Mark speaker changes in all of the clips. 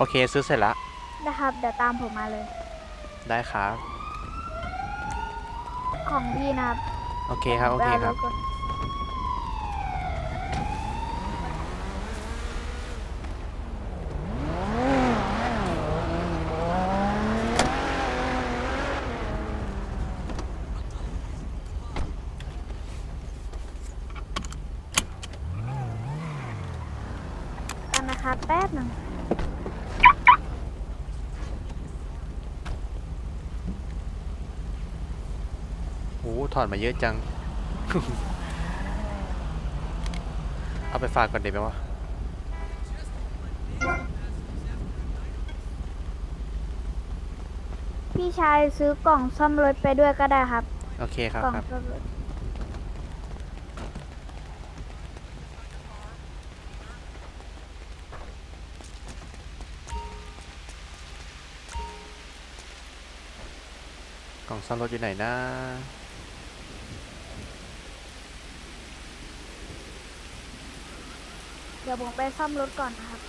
Speaker 1: โอเคซื้อเสร็จละ
Speaker 2: นะครับเดี๋ยวตามผมมาเลย
Speaker 1: ได้ครับ
Speaker 2: ของพี่นะครับ
Speaker 1: โอเค
Speaker 2: เดี๋ยว
Speaker 1: ครับโอเคครับ
Speaker 2: ผมไปเอารถก่อนกันนะครับแป๊บหนึ่ง
Speaker 1: โอ้ถอดมาเยอะจัง เอาไปฝากก่อนเดี๋ยวไหมวะ
Speaker 2: พี่ชายซื้อกล่องซ่อมรถไปด้วยก็ได้ครับ
Speaker 1: โอเคครับ
Speaker 2: กล่อง
Speaker 1: ครับ
Speaker 2: ซ่อมรถ
Speaker 1: กล่องซ่อมรถอยู่ไหนนะ
Speaker 2: เดี๋ยวผมไปซ่อมรถก่อนนะครับ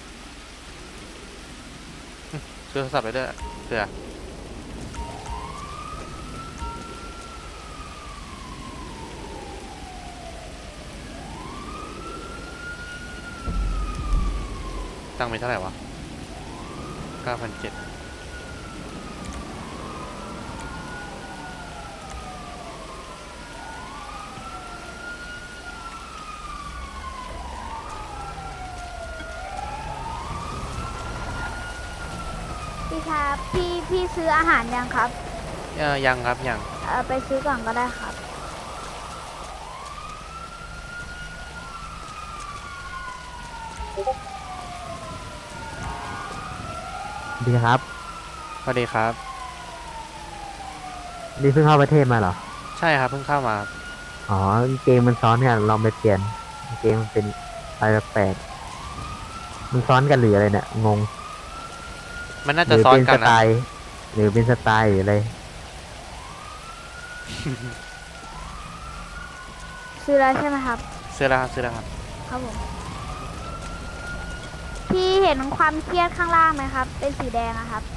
Speaker 1: ซื้อโทรศัพท์ไปด้วยเผื่อตั้งไปเท่าไหร่วะ9,700
Speaker 2: พี่ครับพี่ซื้ออาหารยังครับ
Speaker 1: ยังครับยัง
Speaker 2: ไปซื้อก่อนก็ได้ครับ
Speaker 3: ดีครับ
Speaker 1: สวัสดีครับ
Speaker 3: ดีเพิ่งเข้าประเทศมาเหรอ
Speaker 1: ใช่ครับเพิ่งเข้ามา
Speaker 3: อ๋อเกมมันซ้อนกันลองไปเปลี่ยนเกมมันเป็นอะไรแปลกๆมันซ้อนกันหรืออะไรเนี่ยงง
Speaker 1: มันน่า
Speaker 3: หรือ
Speaker 1: จะซ้อน
Speaker 3: เป็น
Speaker 1: กันนะ
Speaker 3: สไตล์หรือเป็นสไตล์หรืออะไร
Speaker 2: ซื้อแล้วใช่ไหมครับ
Speaker 1: ซื้อแล้วครับซื้อแล้วครับ
Speaker 2: ครับผมพี่เห็นความเครียดข้างล่างไหมครับเป็นสีแดงอะครับ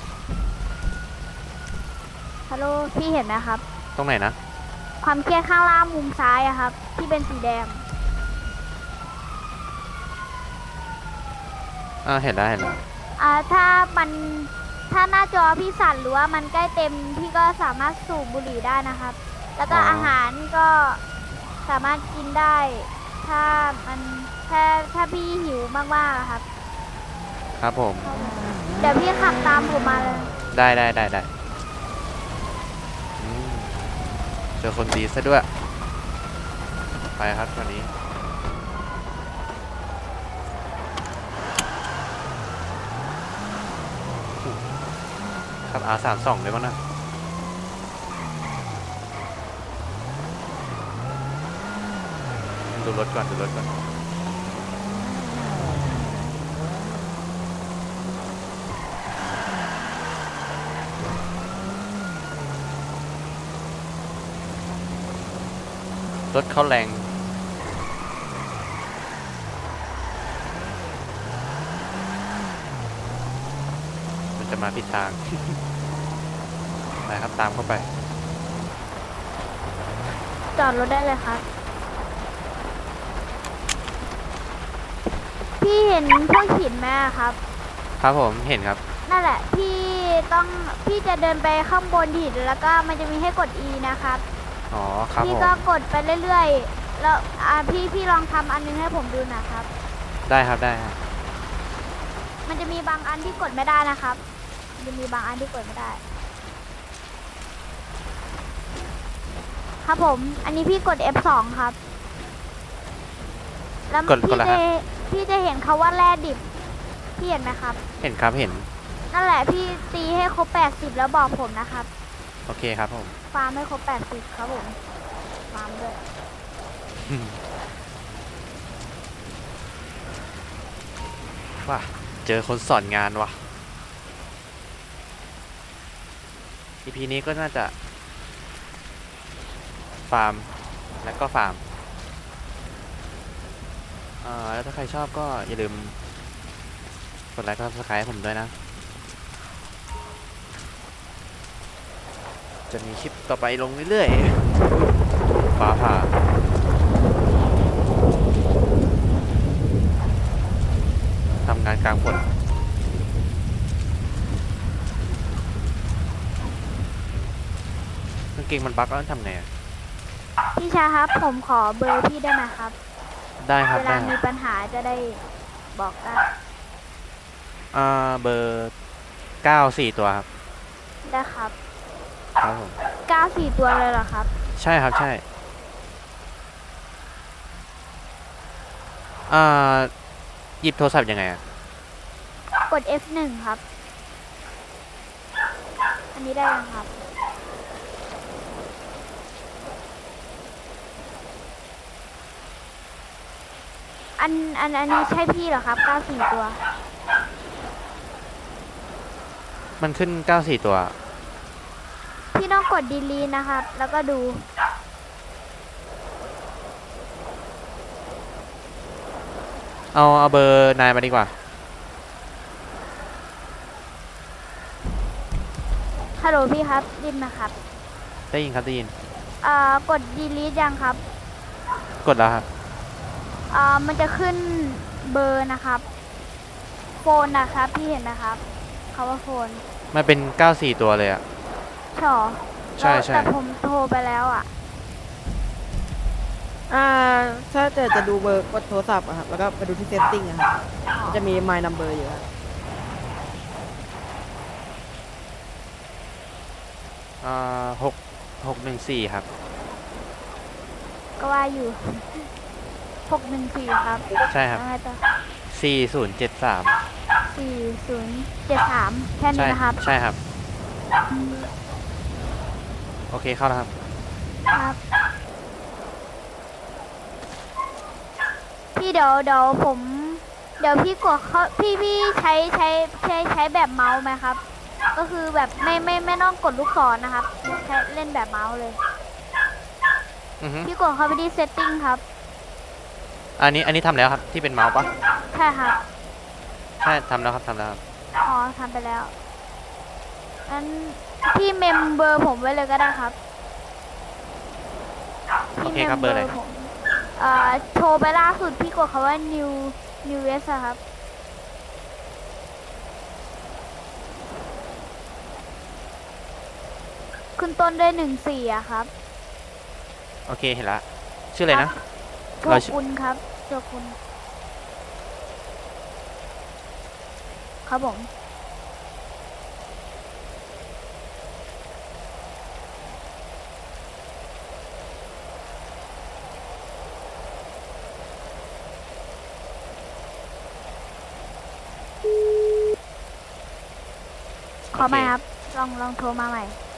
Speaker 2: ฮัลโหลพี่เห็นไหมครับ
Speaker 1: ตรงไหนนะ
Speaker 2: ความเครียดข้างล่างมุมซ้ายอะครับที่เป็นสีแดง
Speaker 1: เห็นแล้วเห็นแล้ว
Speaker 2: ถ้ามันถ้าหน้าจอพี่สั่นหรือว่ามันใกล้เต็มพี่ก็สามารถสูบบุหรี่ได้นะครับ แล้วก็อาหารก็สามารถกินได้ ถ้ามันถ้าพี่หิวมากๆอะครับ
Speaker 1: ครับผม
Speaker 2: เดี๋ยวพี่ขับตามผมมาเลย
Speaker 1: ได้อืมเจอคนดีซะด้วยไปครับวันนี้ขับ R32เลยมั้งนะดูรถก่อนดูรถก่อนรถเขาแรงมันจะมาผิดทาง ไปครับตามเข้าไป
Speaker 2: จอดรถได้เลยครับพี่เห็นพวกหินไหมอะครับ
Speaker 1: ครับผมเห็นครับ
Speaker 2: นั่นแหละพี่จะเดินไปข้างบนหินแล้วก็มันจะมีให้กด E นะครับ
Speaker 1: อ๋อครับ
Speaker 2: พี่
Speaker 1: ผม
Speaker 2: ก็กดไปเรื่อยๆแล้วพี่ลองทำอันนึงให้ผมดูหนะครับ
Speaker 1: ได้ครับได้ครับ
Speaker 2: มันจะมีบางอันที่กดไม่ได้นะครับมันจะมีบางอันที่กดไม่ได้ครับผมอันนี้พี่กด F2 ครับแล้วพี่จะเห็นคาว่าแร่ดิบพี่เห็นไหมครับ
Speaker 1: เห็นครับเห็น
Speaker 2: นั่นแหละพี่ตีให้ครบ80แล้วบอกผมนะครับ
Speaker 1: โอเคครับผม
Speaker 2: ฟาร์มให้ครบ80ครับผมฟาร์มด้วย
Speaker 1: ว่ะเจอคนสอนงานว่ะ EP นี้ก็น่าจะฟาร์มและก็ฟาร์มแล้วถ้าใครชอบก็อย่าลืมกดไลค์ก็สไครต์ผมด้วยนะ จะมีคลิปต่อไปลงเรื่อยๆฟ้าผ่าทำงานกลางฝนกางเกงมันบั๊กแล้วทำไงอะ
Speaker 2: พี่ชายครับ ผมขอเบอร์พี่ได้ไหมครับ
Speaker 1: ได้ครับ
Speaker 2: เว
Speaker 1: ได้
Speaker 2: ลา
Speaker 1: ค
Speaker 2: มี
Speaker 1: รับ
Speaker 2: ปัญหาจะได้บอกได้
Speaker 1: เบอร์94ตัวครับ
Speaker 2: ได้ครับ
Speaker 1: ครับผม
Speaker 2: 94 ตัวเลยเหรอครับ
Speaker 1: ใช่ครับใช่หยิบโทรศัพท์ยังไงอะ
Speaker 2: กด F1 ครับ อันนี้ได้ยังครับ อันนี้ใช่พี่เหรอครับ 94 ตัว
Speaker 1: มันขึ้น94ตัว
Speaker 2: พี่ต้องกด delete นะครับ แล้วก็ดู
Speaker 1: เอาเบอร์นายมาดีกว่า
Speaker 2: ฮัลโหลพี่ครับดินนะครับ
Speaker 1: ได้ยินครับได้ยิน
Speaker 2: กด delete ยังครับ
Speaker 1: กดแล้วครับ
Speaker 2: มันจะขึ้นเบอร์นะครับ โฟนนะครับ พี่เห็นไหมครับคำว่าโฟน
Speaker 1: มันเป็น94ตัวเลยอะ
Speaker 2: ช่อ
Speaker 1: ใช่ใช่
Speaker 2: แต่ผมโทรไปแล้วอ่ะ
Speaker 4: ถ้าจะดูเบอร์กดโทรศัพท์อะครับแล้วก็ไปดูที่ setting อะครับมันจะมี my number อยู่ครับ
Speaker 1: 614ครับ
Speaker 2: ก็ว่าอยู่ 614 ครับ
Speaker 1: ใช่ครับ
Speaker 2: แล้วไงต่อ
Speaker 1: 4073
Speaker 2: 4073 แค่นี้นะครับ
Speaker 1: ใช่ครับ โอเคเข้าแล้วครับ
Speaker 2: ครับ พี่เดี๋ยวผม เดี๋ยวพี่กดเขาพี่ใช้แบบเมาส์ไหมครับ ก็คือแบบไม่ต้องกดลูกศรนะครับใช้เล่นแบบเมาส์เลย
Speaker 1: อือฮึ
Speaker 2: พี่กดเข้าไปที่ setting ครับ
Speaker 1: อันนี้ทำแล้วครับ ที่เป็นเมาส์ปะ
Speaker 2: ใช่ครับ
Speaker 1: ใช่ทำแล้วครับทำแล้วครับ
Speaker 2: อ๋อทำไปแล้วงั้นพี่เมมเบอร์ผมไว้เลยก็ได้ครับ
Speaker 1: โอ
Speaker 2: พี่
Speaker 1: เค
Speaker 2: เมม
Speaker 1: ครับเบอร์อะไร
Speaker 2: ผมโทรไปล่าสุดพี่กดคำว่า new s อะครับ ขึ้นต้นด้วย14อะครับ
Speaker 1: โอเคเห็นละชื่ออะไรนะ
Speaker 2: โช
Speaker 1: เราชื่อ
Speaker 2: กุนครับโชกุนครับผม ขอใหม่ครับ ลองโทรมาใหม่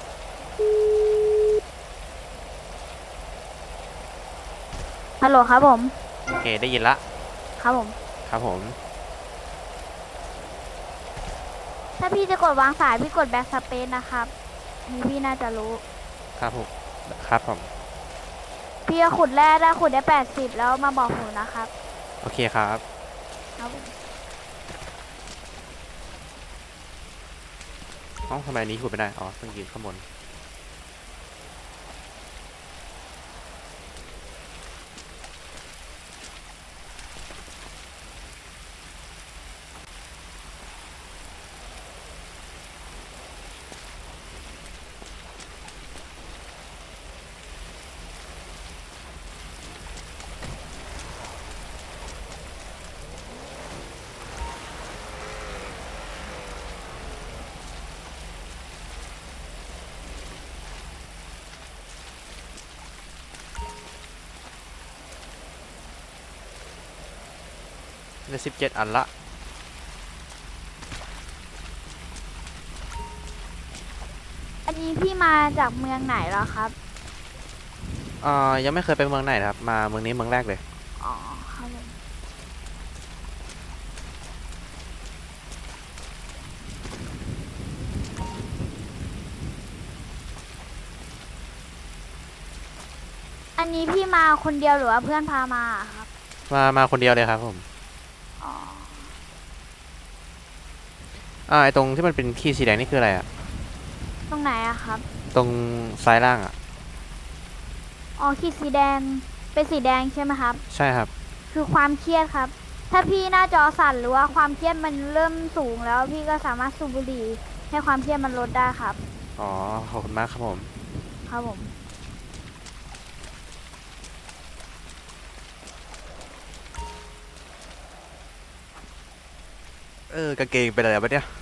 Speaker 2: ฮัลโหลครับผม
Speaker 1: โอเคได้ยินละ
Speaker 2: ครับผม
Speaker 1: ครับผม
Speaker 2: ถ้าพี่จะกดวางสายพี่กดแบ็กสเปซนะครับนี่พี่น่าจะรู้
Speaker 1: ครับผมครับผม
Speaker 2: พี่จะขุดแร่ได้ขุดได้80แล้วมาบอกหนูนะครับ
Speaker 1: โอเคครับ
Speaker 2: ครับผม
Speaker 1: เอ้าทำไมอันนี้ขุดไม่ได้อ๋อต้องยืนข้างบนได้17 อันละ
Speaker 2: อันนี้พี่มาจากเมืองไหนเหรอครับ
Speaker 1: ยังไม่เคยไปเมืองไหนนะครับ มาเมืองนี้เมืองแรกเลย
Speaker 2: อ๋อครับผมอันนี้พี่มาคนเดียวหรือว่าเพื่อนพามาอะครับ
Speaker 1: มาคนเดียวเลยครับผม
Speaker 2: อ๋อ
Speaker 1: ไอตรงที่มันเป็นขีดสีแดงนี่คืออะไรอะ
Speaker 2: ตรงไหนอะครับ
Speaker 1: ตรงซ้ายล่างอะ
Speaker 2: อ๋อขีดสีแดงเป็นสีแดงใช่ไหมครับ
Speaker 1: ใช่ครับ
Speaker 2: คือความเครียดครับ ถ้าพี่หน้าจอสั่นหรือว่าความเครียดมันเริ่มสูงแล้วพี่ก็สามารถสูบบุหรี่ให้ความเครียดมันลดได้ครับ
Speaker 1: อ๋อขอบคุณมากครับผม
Speaker 2: ครับผม
Speaker 1: กางเกงเป็นอะไรปะเนี่ย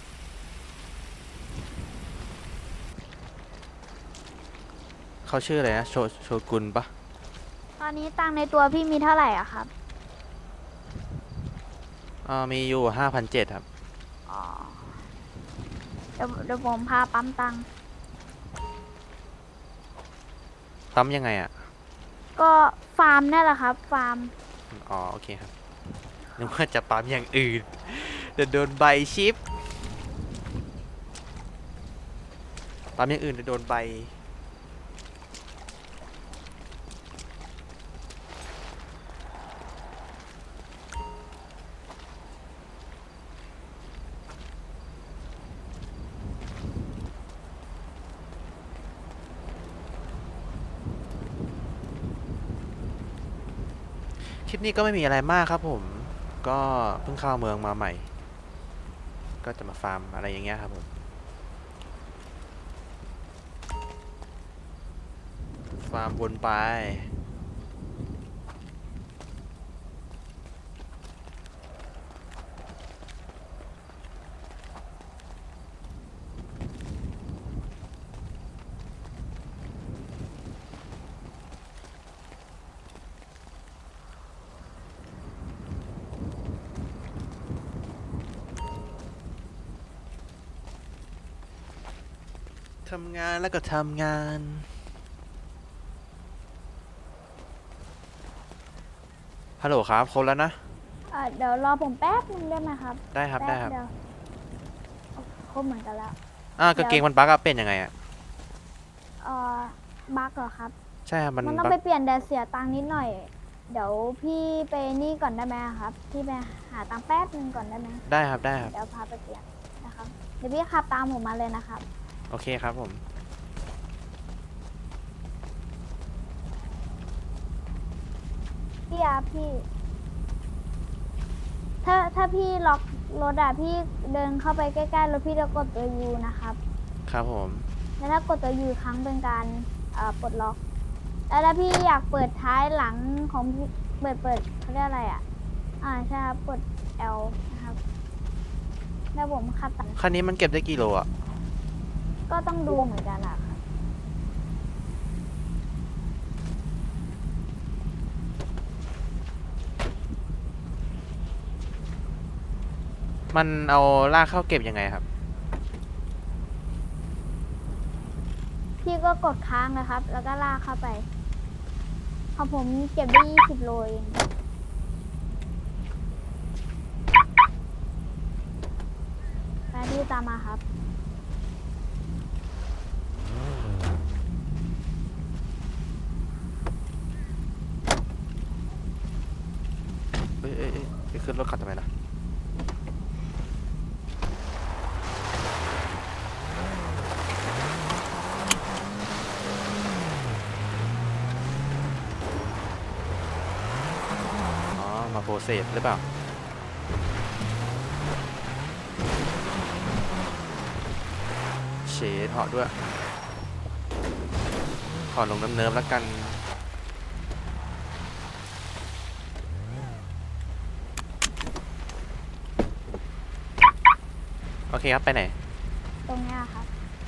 Speaker 1: เขาชื่ออะไรนะโชกุนปะ
Speaker 2: ตอนนี้ตังค์ในตัวพี่มีเท่าไหร่อะครับ
Speaker 1: มีอยู่5,700ครับ
Speaker 2: อ๋อ เดี๋ยวผมพาปั๊มตังค์
Speaker 1: ปั๊มยังไงอะ
Speaker 2: ก็ฟาร์มนั่นแหละครับ ฟาร์ม
Speaker 1: อ๋อโอเคครับนึกว่าจะปั๊มอย่างอื่นเดี๋ยวโดนใบชิปปั๊มอย่างอื่นเดี๋ยวโดนใบคลิปนี้ก็ไม่มีอะไรมากครับผมก็เพิ่งเข้าเมืองมาใหม่ก็จะมาฟาร์มอะไรอย่างเงี้ยครับผมฟาร์มวนไปทำงานแล้วก็ทำงานฮัลโหลครับครบแล้วนะ
Speaker 2: เดี๋ยวรอผมแป๊บนึงได้ไหมครับ
Speaker 1: ได้ครับได้ครับ
Speaker 2: แป๊เดียวครบเหมือนกันแล้ว
Speaker 1: กางเกงมันบั๊กอะเป็นยังไงอะ
Speaker 2: บั๊กเหรอครับ
Speaker 1: ใช่ครับมัน
Speaker 2: มันต้อง
Speaker 1: บั๊
Speaker 2: ไป
Speaker 1: ก
Speaker 2: เปลี่ยนแต่เสียตังค์นิดหน่อย เดี๋ยวพี่ไปนี่ก่อนได้ไหมครับ พี่ไปหาตังค์แป๊บนึงก่อนได้ไหม
Speaker 1: ได้ครับได้ครับ
Speaker 2: เดี๋ยวพาไปเปลี่ยนนะครับ เดี๋ยวพี่ขับตามผมมาเลยนะครับ
Speaker 1: โอเคครับผม
Speaker 2: พี่อาพี่ ถ้าพี่ล็อกรถอะพี่เดินเข้าไปใกล้ๆรถพี่จะกดตัวยูนะครับ
Speaker 1: ครับผม
Speaker 2: แล้วถ้ากดตัวยูครั้งเป็นการปลดล็อก แล้วถ้าพี่อยากเปิดท้ายหลังของพี่เปิดเขาเรียกอะไรอ่ะ ใช่ครับกด L นะครับแล้วผมขับตัด
Speaker 1: คันนี้มันเก็บได้กี่โลอะ
Speaker 2: ก็ต้องดูเหมือนกันอะครับ
Speaker 1: มันเอาลากเข้าเก็บยังไงครับ
Speaker 2: พี่ก็กดค้างนะครับ แล้วก็ลากเข้าไปของผมเก็บได้20 โลเองไปพี่ตามมาครับ
Speaker 1: ไปขึ้นรถขับทำไมล่ะอ๋อ มาโปรเซสหรือเปล่า เฉดเหาะด้วย ขอลงน้ำเนิมแล้วกัน โอเคครับ ไปไหน
Speaker 2: ตรงเนี้ยครับ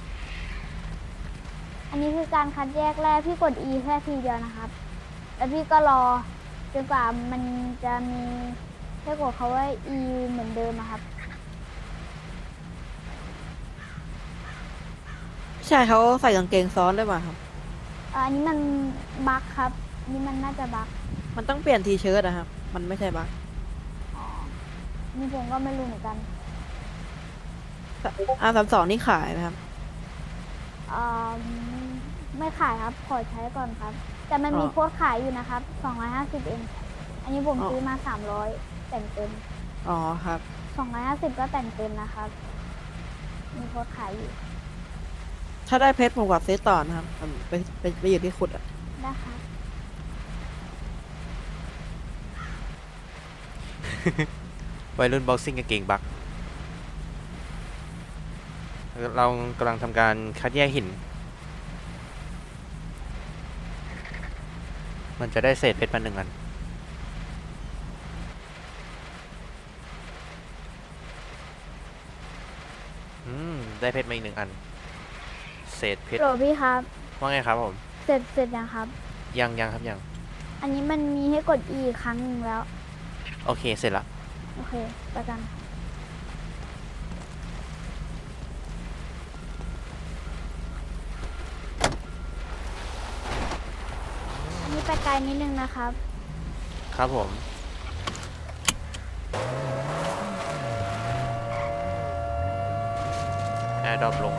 Speaker 2: อันนี้คือการคัดแยกแรกพี่กด E แค่ทีเดียวนะครับ แล้วพี่ก็รอจนกว่ามันจะมีให้กดเขาว่า E เหมือนเดิมอะครับ
Speaker 4: ใช่เขาใส่กางเกงซ้อนด้วยป่ะครับ
Speaker 2: อันนี้มันบั๊กครับอันนี่มันน่าจะบั๊ก
Speaker 4: มันต้องเปลี่ยนทีเชิ้ตนะครับ มันไม่ใช่บั๊ก
Speaker 2: อ๋อนี่ผมก็ไม่รู้เหมือนกัน
Speaker 4: R32นี่ขายไหมครับ
Speaker 2: อ่าไม่ขายครับ ขอใช้ก่อนครับ แต่มันมี
Speaker 4: อ๋อ
Speaker 2: โค้ดขายอยู่นะครับ250เองอันนี้ผม
Speaker 4: อ๋อ
Speaker 2: ซื้อมา300แต่งเต็ม
Speaker 4: อ๋อครับ
Speaker 2: 250ก็แต่งเต็มนะครับมีโพสต์ขายอยู่
Speaker 4: ถ้าได้เพชรผมกับเซตต่อนะครับไปอยู่ที่ขุดอะ
Speaker 2: นะคะ
Speaker 1: วัยรุ่นบ็อกซิ่งกางเกงบักเรากำลังทำการคัดแยกหิน มันจะได้เศษเพชรมา1 อันได้เพชรมาอีก1 อัน เศษเพชร
Speaker 2: โหลพี่ครับ
Speaker 1: ว่าไงครับผม
Speaker 2: เสร็จยังครับ
Speaker 1: ยังครับยัง
Speaker 2: อันนี้มันมีให้กด E อีกครั้งหนึ่งแล้ว
Speaker 1: โอเคเสร็จละ
Speaker 2: โอเคไปกัน อันนี้ไปไกลนิดนึงนะครับ
Speaker 1: ครับผมแอร์ดรอปลง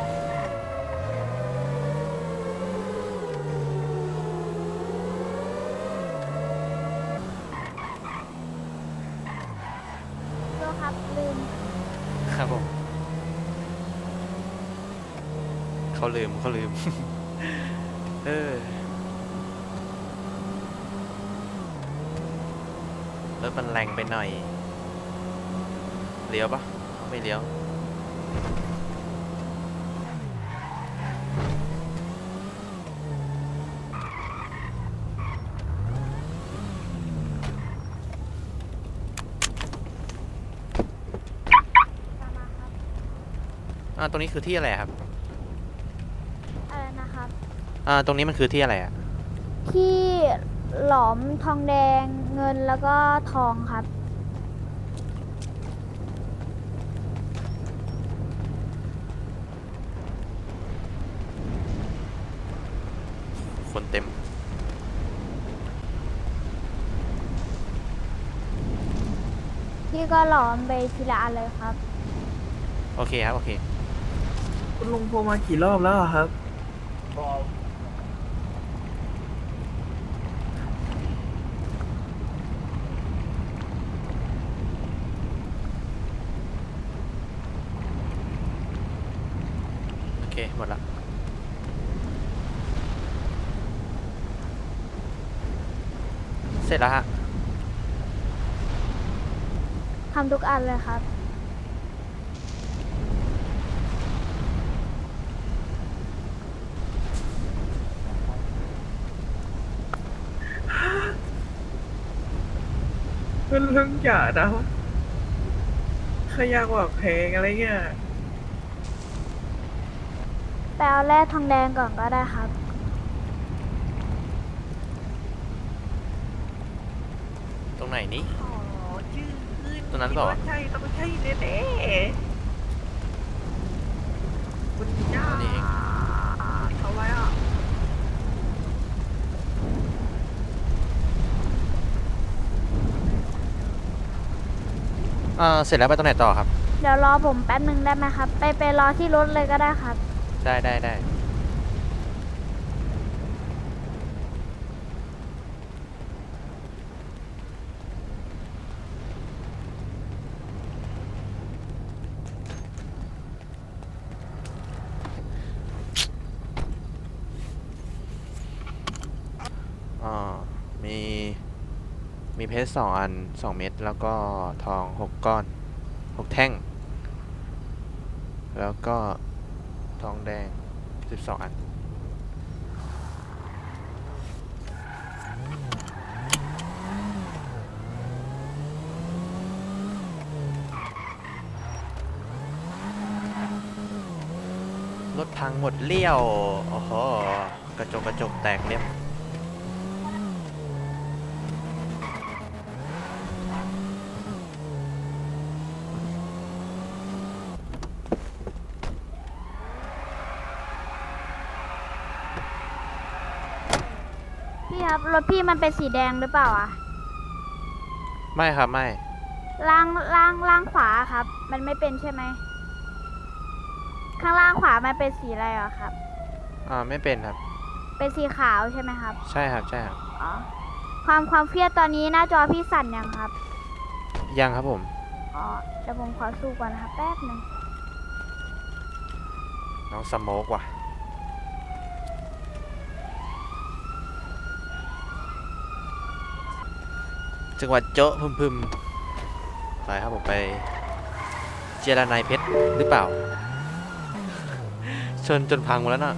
Speaker 2: โลครับลืม
Speaker 1: ครับผมเขาลืม เออรถมันแรงไปหน่อยเลี้ยวปะไม่เลี้ยว
Speaker 2: ตามมาครับ
Speaker 1: ตรงนี้คือที่อะไรครับ
Speaker 2: อะไรนะครับ
Speaker 1: ตรงนี้มันคือที่อะไรอะ
Speaker 2: ที่หลอมทองแดงเงินแล้วก็ทองครับ
Speaker 1: คนเต็ม
Speaker 2: พี่ก็หลอมไปทีละอันเลยครับ
Speaker 1: โอเคครับโอเค
Speaker 5: คุณลุงโทรมากี่รอบแล้วอะครับ
Speaker 1: โอเคหมดละเสร็จแล้วฮะ
Speaker 2: ทำทุกอันเลยครับ
Speaker 5: คุณลุงอย่านะขยากว่าเพลงอะไรเงี้ย
Speaker 2: ไปเอาแร่ทองแดงก่อนก็ได้ครับ
Speaker 1: ตรงไหนนี้
Speaker 5: อ๋อชื่อขึ้น
Speaker 1: ตรงนั้นเปล่าวะ
Speaker 5: คิดใช่ต้องใช่แน่ๆคุณย่า
Speaker 1: อันนี้เอง
Speaker 5: ทำไมอ่ะ
Speaker 1: เสร็จแล้วไปตรงไหนต่อครับ
Speaker 2: เดี๋ยวรอผมแป๊บนึงได้ไหมครับ ไปรอที่รถเลยก็ได้ครับ
Speaker 1: ได้มีเพชร2 อัน 2 เม็ดแล้วก็ทอง6 ก้อน 6 แท่ง แล้วก็ทองแดง12 อัน รถพังหมดเลี้ยว โอ้โห กระจกแตกเรียบ
Speaker 2: พี่ครับ รถพี่มันเป็นสีแดงหรือเปล่าอะ
Speaker 1: ไม่ครับไม่
Speaker 2: ล่างขวาครับ มันไม่เป็นใช่ไหม ข้างล่างขวามันเป็นสีอะไรเหรอครับ
Speaker 1: ไม่เป็นครับ
Speaker 2: เป็นสีขาวใช่ไหมครับ
Speaker 1: ใช่ครับ
Speaker 2: อ๋อ ความเครียดตอนนี้หน้าจอพี่สั่นยังครับ
Speaker 1: ยังครับผม
Speaker 2: อ๋อ เดี๋ยวผมขอสู้ก่อนนะครับ แป๊บหนึง
Speaker 1: น้องสโมกว่ะจังหวัดโจ๊ะพึมๆไปครับผมไปเจรนายเพชรหรือเปล่า ชนจนพังหมดแล้วน่ะ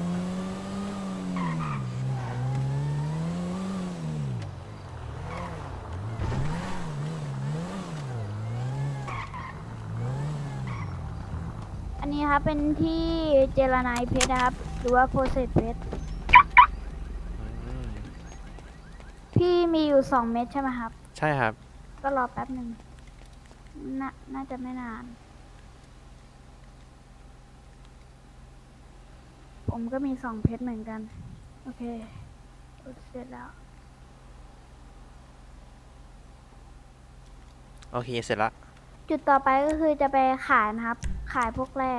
Speaker 2: อันนี้ครับเป็นที่เจรไนายเพชรนะครับ หรือว่าโพเซตเพชร
Speaker 1: อืม
Speaker 2: พี่มีอยู่2 เม็ดใช่ไหมครับ
Speaker 1: ใช่ครับ
Speaker 2: ก็รอแป๊บหนึ่งน่าจะไม่นาน ผมก็มี2 เพชรเหมือนกัน โอเคเสร็จแล้ว
Speaker 1: โอเค เสร็จละ
Speaker 2: จุดต่อไปก็คือจะไปขายนะครับ ขายพวกแร่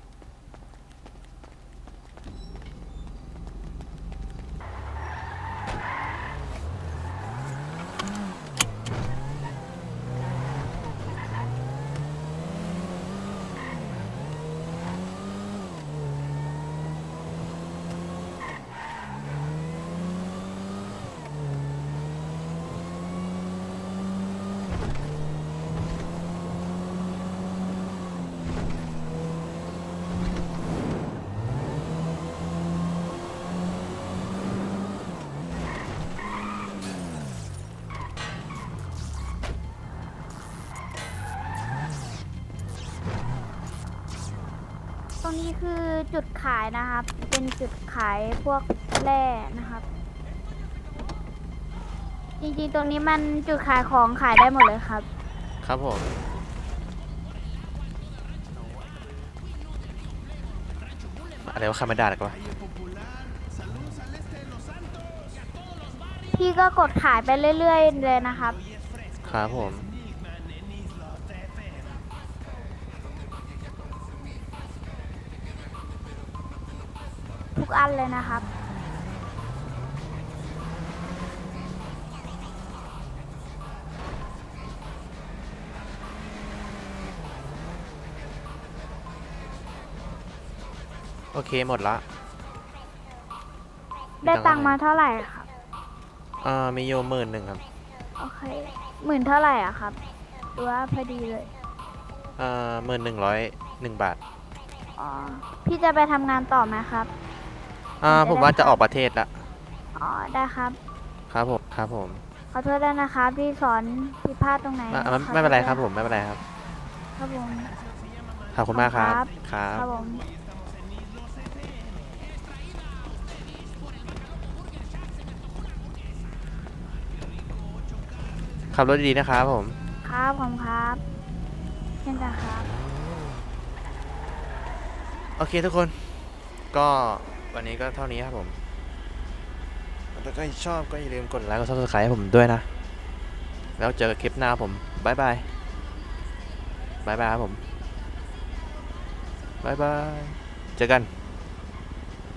Speaker 2: ตรงนี้คือจุดขายนะครับ เป็นจุดขายพวกแร่นะครับ จริงๆ ตรงนี้มันจุดขายของขายได้หมดเลยครับ
Speaker 1: ครับผม อะไรวะคามาดาหรอวะ
Speaker 2: พี่ก็กดขายไปเรื่อยๆเลยนะครับ
Speaker 1: ครับผม
Speaker 2: ทุกอันเลยนะครับ
Speaker 1: โอเค หมดละ
Speaker 2: ได้ตังค์มาเท่าไหร่ครับ
Speaker 1: มีโย11,000ครับ
Speaker 2: โอเค10,000เท่าไหร่อะครับหรือว่าพอดีเลย
Speaker 1: 11,101 บาท
Speaker 2: อ๋อ พี่จะไปทำงานต่อไหมครับ
Speaker 1: ผมว่าจะออกประเทศละ
Speaker 2: อ๋อ ได้ครับ
Speaker 1: ครับผม ครับผม
Speaker 2: ขอโทษด้วยนะครับที่สอนผิดพลาดตรงไหน
Speaker 1: ไม่เป็นไรครับผม ไม่เป็นไรครับ
Speaker 2: ครับผม
Speaker 1: ขอบคุณมากครับ
Speaker 2: ครับ
Speaker 1: ครับ
Speaker 2: ครับผม
Speaker 1: ขับรถดีๆนะครับผม
Speaker 2: ครับผมครับเช่นกันครับ
Speaker 1: โอเคทุกคน ก็วันนี้ก็เท่านี้ครับผม ถ้าใครชอบก็อย่าลืมกดไลค์กด Subscribe ให้ผมด้วยนะ แล้วเจอกันคลิปหน้าผมบ๊ายบายบ๊ายบายครับผมบ๊ายบาย เจอกัน